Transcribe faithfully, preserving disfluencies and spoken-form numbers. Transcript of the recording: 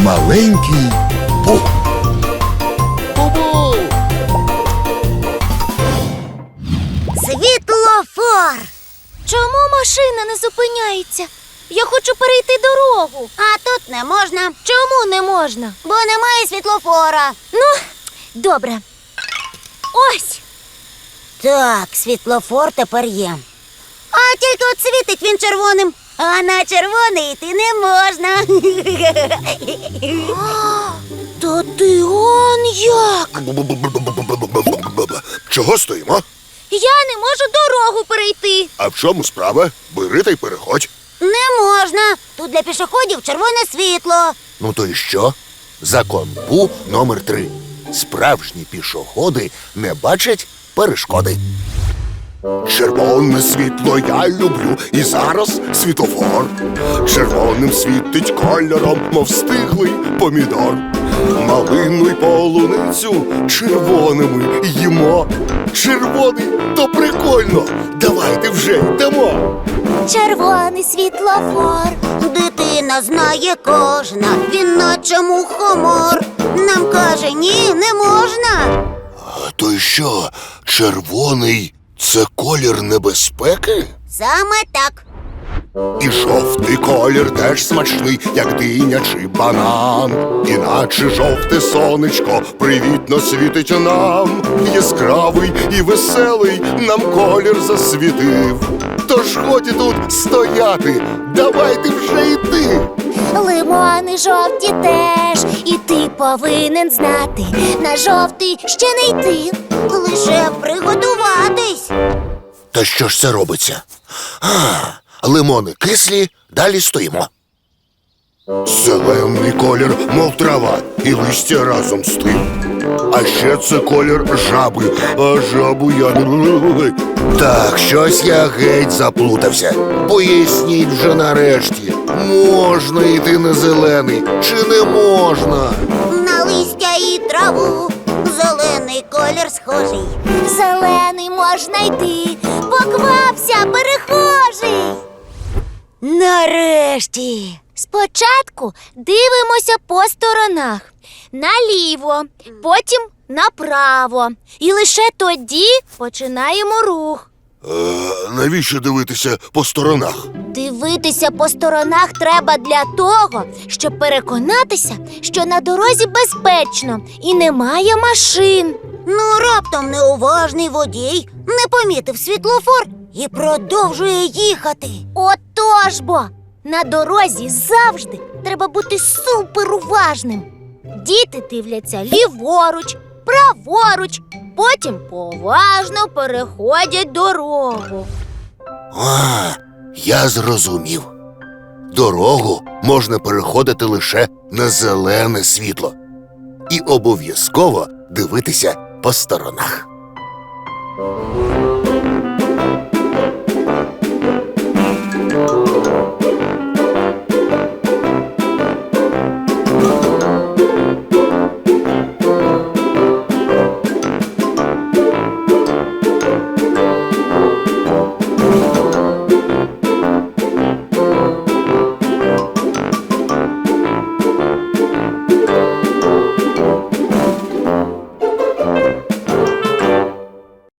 Маленький Бу. Бу-бу! Світлофор! Чому машина не зупиняється? Я хочу перейти дорогу. А тут не можна, Чому не можна? бо немає світлофора. Ну, добре. Ось. Так, світлофор тепер є. А тільки от світить він червоним, а на червоний йти не можна. Та ти он як? Чого стоїмо? Я не можу дорогу перейти. А в чому справа? Бери та й переходь. Не можна. Тут для пішоходів червоне світло. Ну то й що? Закон Бу номер три. Справжні пішоходи не бачать перешкоди. Червоне світло я люблю, і зараз світлофор. Червоним світить кольором, мов стиглий помідор. Малину й полуницю червоними їмо. Червоний то прикольно. Давайте вже йдемо. Червоний світлофор. Дитина знає кожна, він наче мухомор. Нам каже, ні, не можна. А то й що, червоний це колір небезпеки? Саме так. І жовтий колір теж смачний, як диня чи банан. Іначе жовте сонечко привітно світить нам. Яскравий і веселий нам колір засвітив. Тож годі тут стояти, давайте вже йти. Лимони жовті теж, і ти повинен знати. На жовтий ще не йти. Лише приготуватись. Та що ж це робиться? А, лимони кислі, далі стоїмо. Зелений колір, мов трава, і листя разом з тим. А ще це колір жаби, а жабу я не... Так, щось я геть заплутався. Поясніть вже нарешті, можна йти на зелений чи не можна? На листя і траву зелений колір схожий. Зелений можна йти. Поквапся, перехожий. Нарешті. Спочатку дивимося по сторонах. Наліво, потім направо. І лише тоді починаємо рух. Е, навіщо дивитися по сторонах? Дивитися по сторонах треба для того, щоб переконатися, що на дорозі безпечно і немає машин. Ну, раптом неуважний водій не помітив світлофор і продовжує їхати. Отож бо! На дорозі завжди треба бути суперуважним. Діти дивляться ліворуч, праворуч, потім поважно переходять дорогу. А, я зрозумів. Дорогу можна переходити лише на зелене світло. І обов'язково дивитися по сторонах.